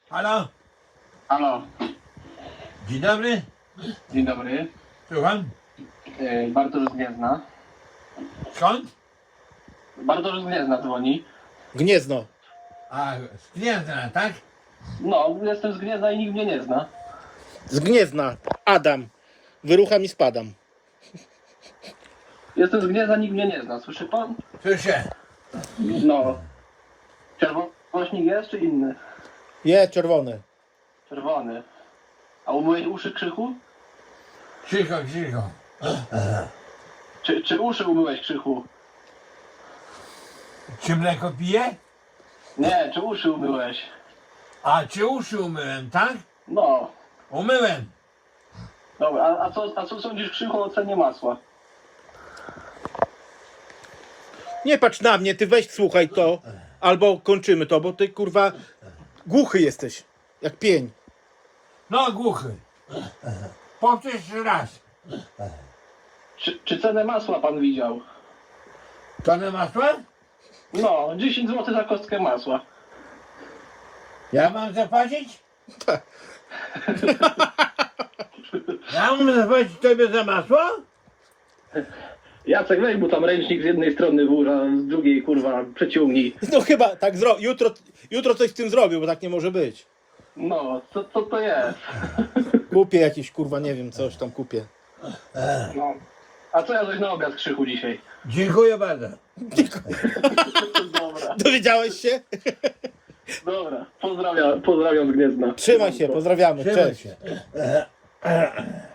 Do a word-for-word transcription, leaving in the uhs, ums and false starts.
Halo? Halo, Dzień dobry. dzień dobry. Słucham? Yy, Bartosz z Gniezna. Skąd? Bartosz z Gniezna dzwoni. Gniezno. A, z Gniezna, tak? No, jestem z Gniezna i nikt mnie nie zna. Z Gniezna. Adam. Wyrucham i spadam. Jestem z Gniezna, nikt mnie nie zna. Słyszy pan? Słyszę. No. Czerwonośnik jest czy inny? Je, czerwony. Czerwony. A umyłeś uszy, Krzychu? Cicho, cicho. Czy, czy uszy umyłeś, Krzychu? Czy mleko pije? Nie, czy uszy umyłeś? A, czy uszy umyłem, tak? No. Umyłem. Dobra, a, a, co, a co sądzisz, Krzychu, o cenie masła? Nie patrz na mnie, ty weź słuchaj to. Albo kończymy to, bo ty kurwa głuchy jesteś. Jak pień. No, głuchy. Powtórz jeszcze raz. Czy, czy cenę masła pan widział? Tonę masła? No, dziesięć złotych za kostkę masła. Ja mam zapłacić? Tak. Ja mam zapłacić tobie za masło? Jacek, weź mu tam ręcznik z jednej strony włóż, a z drugiej, kurwa, przeciągnij. No chyba tak zro... jutro, jutro coś z tym zrobił, bo tak nie może być. No, co, co to jest? Kupię jakieś kurwa, nie wiem, coś tam kupię. No. A co ja coś na obiad, Krzychu, dzisiaj? Dziękuję bardzo. Dobra, Dowiedziałeś się? dobra. Pozdrawiam, pozdrawiam z Gniezna. Trzymaj się, pozdrawiamy. Trzymaj Cześć. się.